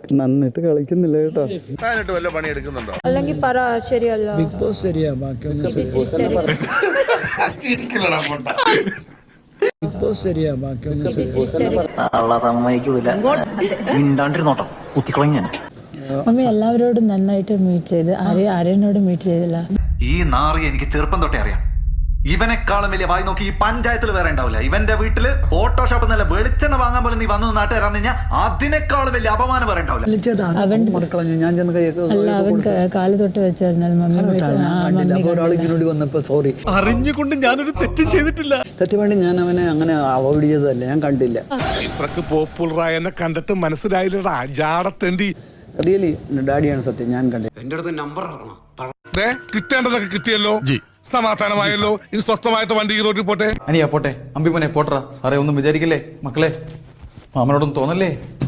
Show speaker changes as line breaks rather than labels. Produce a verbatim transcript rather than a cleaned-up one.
നന്നിട്ട് കളിക്കുന്നില്ല കേട്ടോ.
വല്ല പണി എടുക്കുന്നുണ്ടോ?
അല്ലെങ്കിൽ പറ ശരിയല്ല.
ബിഗ് ബോസ് ശരിയാ, ബാക്കിയൊന്നും ബിഗ് ബോസ് ശരിയാ, ബാക്കിയൊന്നും
മിണ്ടാണ്ടിരുന്നോട്ടോ, കുത്തിക്കളഞ്ഞ
മമ്മി എല്ലാവരോടും നന്നായിട്ട് മീറ്റ് ചെയ്ത് ആരെയും ആരെയോടും മീറ്റ് ചെയ്തില്ല.
ഈ നാറി എനിക്ക് ചെറുപ്പം തൊട്ടേ അറിയാം. ഇവനെക്കാളും വലിയ വായി നോക്കി ഈ പഞ്ചായത്തിൽ വേറെ ഉണ്ടാവില്ല. ഇവന്റെ വീട്ടില് ഫോട്ടോഷോപ്പ് നല്ല വെളിച്ചെണ്ണ വാങ്ങാൻ പോലും നീ വന്നു നാട്ടുകാരാണ് കഴിഞ്ഞാൽ അതിനേക്കാളും വലിയ അപമാനം വേറെ ഉണ്ടാവില്ല.
അല്ല, അവൻ കാല് തൊട്ട് വെച്ചായിരുന്നാൽ
വന്നപ്പോ സോറി
അറിഞ്ഞുകൊണ്ട് ഞാനൊരു തെറ്റും ചെയ്തിട്ടില്ല.
തെറ്റ് വേണ്ടി ഞാൻ അവനെ അങ്ങനെ അവോയ്ഡ് ചെയ്തതല്ല, ഞാൻ കണ്ടില്ല.
ഇത്രക്ക് പോപ്പുലറായ എന്നെ കണ്ടിട്ട് മനസ്സിലായില്ലടാ ജാടത്തേണ്ടി.
റിയലി ഡാഡിയാണ് സത്യം, ഞാൻ കണ്ടില്ല.
എന്റെ അടുത്ത് നമ്പർ ഇറക്കണം.
കിട്ടേണ്ടതൊക്കെ കിട്ടിയല്ലോ, സമാധാനമായല്ലോ. ഇനി സ്വസ്ഥമായിട്ട് വണ്ടി ഈ റോഡിൽ പോട്ടെ.
അനിയാ പോട്ടെ, അമ്പിമോനെ പോട്ടറ. സാറേ ഒന്നും വിചാരിക്കല്ലേ മക്കളെ, മാമനോടൊന്നും തോന്നല്ലേ.